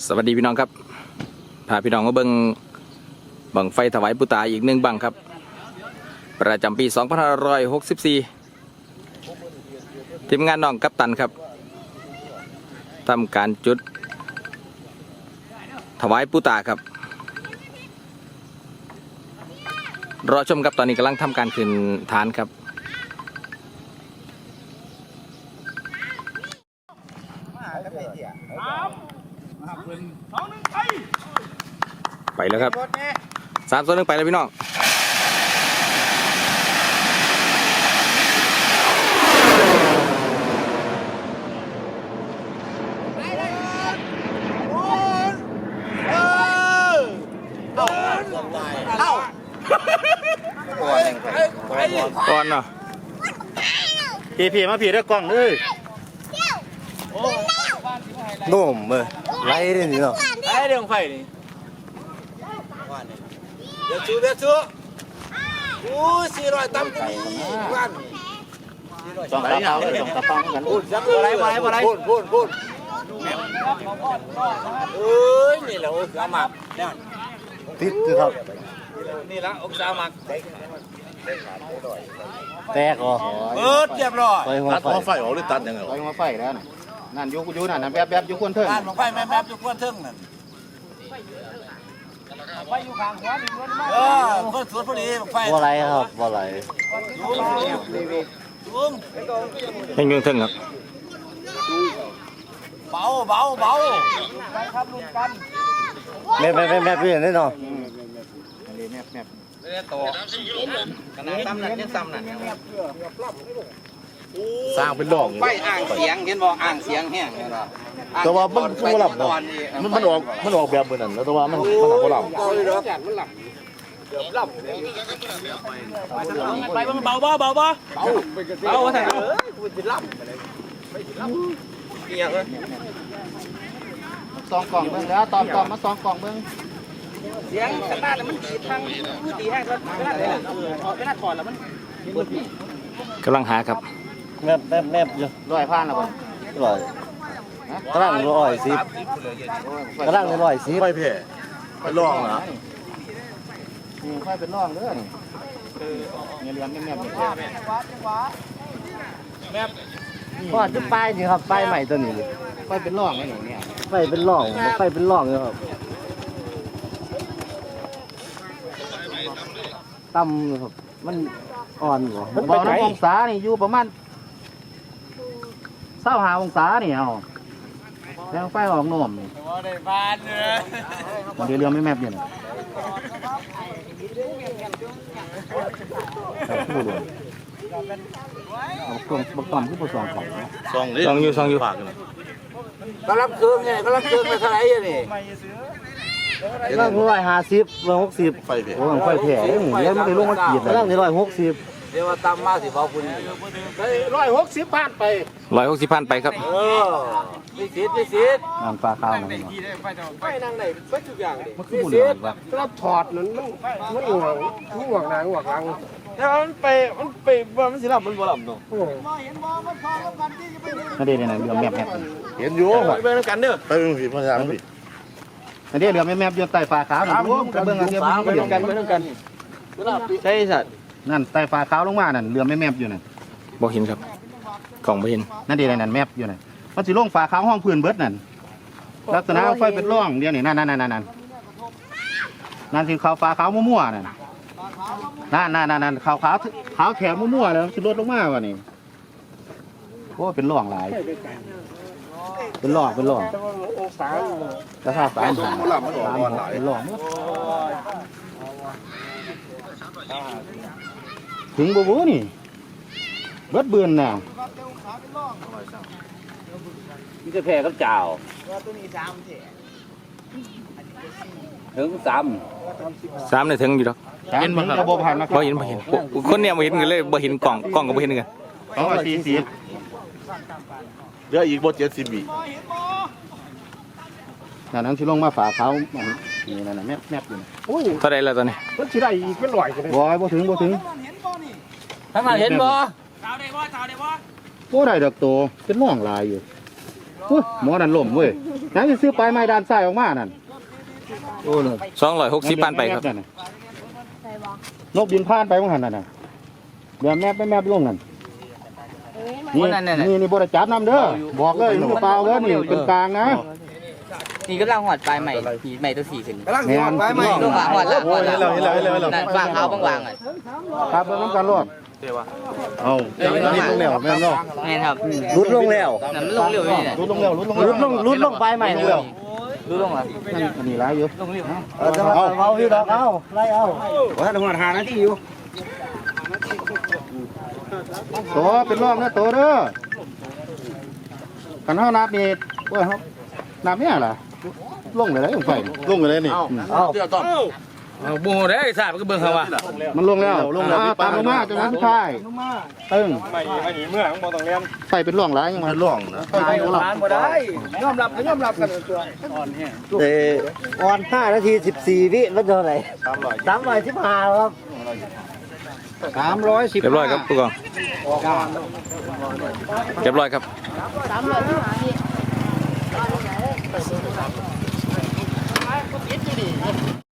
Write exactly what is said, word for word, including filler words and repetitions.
สวัสดีพี่น้องครับพาพี่น้องมาเบิ่งบังไฟถวายปู่ตาอีกหนึ่งบังครับประจำปีสองพันห้าร้อยหกสิบสี่ทีมงานน้องกัปตันครับทำการจุดถวายปู่ตาครับรอชมครับตอนนี้กำลังทำการขึ้นฐานครับไปแล้วครับสามส่วนหนึ่งไปแล้วพี่น้องก่อนเนาะพี่พี่มาพี่ได้กล้องเลยโน่มเมื่อไล่ได้นี่เนาะไล่เรื่องไฟนี่เดี๋ยวชูเดี๋ยวชูโอ้สี่ร้อยตั้มกันวันสองตาเปล่าเลยสองตาเปล่าเหมือนกันพูดอะไรอะไรอะไรพูดพูดพูดเอ้ยนี่แหละองศาหมักติดคือครับนี่ละองศาหมักแตกเหรอเบิดเรียบร้อยตัดหัวไฟออกหรือตัดยังไงตัดหัวไฟแล้วน่ะนั่นยุกยุนั่นนั่นแบบแบบยุควนเทิงนั่นหัวไฟแม่แบบยุควนเทิงนั่นไฟอยู่ข้างหัวนี่ล้วนมากเออเพิ่นสวนพอดีไฟบ่ไหลครับบ่ไหลจุ้มยังยังถึงครับเบาเบาเบาไปครับลุ้นกันแม่แม่แม่แม่พี่เห็นได้เนาะแม่แม่ไม่ได้โตขนาดซ้ำนั่นยังซ้ำนั่นสร้างเป็นหลอกไฟอ่างเสียงเห็นบ่อ่างเสียงแห้งเลยนะแต่ว่ามันมันหลับเนาะมันมันออกมันออกแบบเหมือนนั่นแล้วแต่ว่ามันมันหลับหลับมันหลับหลับไปเบาเบาเบาเบาเบาใส่เอ้ยกูจะหลับเกี่ยเลยสองกล่องเบิ่งแล้วตอมตอมมาสองกล่องเบิ่งเสียงสตาร์ทมันดีทางดีแห้งก็ไม่น่าเลยไม่น่าถอดแล้วมันกำลังหาครับแมบแมบแมบอยู่ร้อยพันแล้วบ่ร้อยกำลังร้อยสิบกำลังร้อยสิบไปเพ่ไปลองเหรอนี่ค่อยเป็นลองเด้อนี่เงี้ยเลี้ยงแมบแมบพอจะป้ายนี่ครับป้ายใหม่ตัวนี้ค่อยเป็นลองไอ้หนูเนี่ยไฟเป็นลองไฟเป็นลองเลยครับต่ำครับมันอ่อนอยู่มันบอกน้ำองศานี่อยู่ประมาณเศร้าหาองศานี่เอาแล้วไฟออกโน่มนี่ได้บ้านเลยมันเดี๋ยวเรือไม่แมบเนี่ยเอาเครื่องประกอบที่ผสมของซองซองอยู่ซองอยู่กำลังเครื่องไงกำลังเครื่องไปเท่าไหร่เนี่ยกำลังร้อยห้าสิบร้อยหกสิบไฟแผงโอ้ไฟแผงเลี้ยงมันได้ลงมาขีดกำลังร้อยหกสิบเดี๋ยวว่าตามมาสิบอกคุณร้อยหกสิบพันไปร้อยหกสิบพันไปครับเออไม่สิทธิ์ไม่สิทธิ์งานปลาข้าวนะไฟนั่งไหนไฟทุกอย่างมันคือบุญอะไรวะเราถอดนั้นมันมันห่วงห่วงนางห่วงรังแต่มันไปมันไปว่ามันสิหลับมันบ่หลับเนาะนั่นเดี๋ยวเนี่ยเรือแมบแมบเห็นอยู่ไปเบิ่งกันเด้อไปเบิ่งผีพญาผีนั่นเดี๋ยวเรือแมบแมบอยู่ใต้ฟ้าขาวนะไปเบิ่งกันเดี๋ยวไปเบิ่งกันไปเบิ่งกันใช่สัตว์นั่นใต้ฟ้าขาวลงมานั่นเรือแมบแมบอยู่นั่นบ่เห็นครับกล่องบ่เห็นนั่นเดี๋ยวนั่นแมบอยู่นั่นมันสิลงฟ้าขาวห้องพื้นเบิดนั่นลักษณะไฟเป็นร่องเดี๋ยวนี่นั่นนั่นนั่นนั่นนั่นคือขาวฟ้าขาวมั่วๆนั่นนั่นนั่นนั่นขาวขาวขาวแถมมั่วๆแล้วสิลดลงมาวะนี่โอ้เป็นร่องหลายเป็นร่องเป็นร่องราคาสามพันเป็นร่องถึงบูบูนี่เบิดเบือนน่ะมีแต่แพร่กับจ่าวถึงสามสามเนี่ยถึงอยู่ดอกเห็นบ่ครับบ่เห็นบ่เห็นบ่เห็นคนเนี่ยบ่เห็นกันเลยบ่เห็นกล่องกล่องก็บ่เห็นกันสองร้อยสี่สิบเหลืออีกบ่เจ็ดสิบวินั่นนั่นที่ลงมาฝาเขานี่นั่นน่ะแมบแมบอยู่เท่าไรแล้วตอนนี้มันสิได้อีกเป็นร้อยกันบ่บ่ถึงบ่ถึงทางนั้นเห็นบ่ชาวได้บ่ชาวได้บ่บ่ได้ดอกโตเป็นร่องลายอยู่อุ๊ยหมอนั่นล้มเว้ยยังสิซื้อปลายไม้ด้านซ้ายออกมานั่นโอ้เลยสองร้อยหกสิบปันไปครับนกบินผ่านไปว่าหันนั่นน่ะเดี๋ยวแม่ไปแม่ไปลงนั่นนี่นี่นี่บริจับน้ำเด้อบอกเลยมือเปล่าเด้อนี่เป็นกลางนะนี่กำลังหอดปลายใหม่หีใหม่ตัวสี่ขึ้นแม่นลงหลังหอดละหอดละนั่นวางเอาบางๆอ่ะครับเบิ่งน้ำกันรอดเอานี่ลงแล้วแม่นเนาะแม่นครับรุดลงแล้วนั่นมันลงเร็วนี่แหละรุดลงแล้วรุดลงรุดลงรุดลงไปใหม่เลยรู้ลงเหรออันนี้ร้ายอยู่ลงเร็วเอาจะมาเอาพี่ดอกเอาไล่เอาว่าต้องหาหน้าที่อยู่ตัวเป็นร่องนะตัวเด้อกันเฮานับนี่ว่าเฮานับเนี่ยล่ะลงเลยได้ไฟลงเลยนี่เอาเอาโบได้ทราบก็เบิ่งเขาว่ามันลงแล้วลงแล้วตามลงมาจังหวะสุดท้ายตึ้งไม่ไม่หนีเมื่อของบอต้องเรียนไฟเป็นร่องหลายยังมันร่องนะไฟเป็นร่องบ่ได้ยอมรับก็ยอมรับกันตัวเออออนห้านาทีสิบสี่วิมันเท่าไหร่สามร้อยสิบห้าครับสามร้อยสิบเรียบร้อยครับผู้กองเรียบร้อยครับสามร้อยห้าสิบ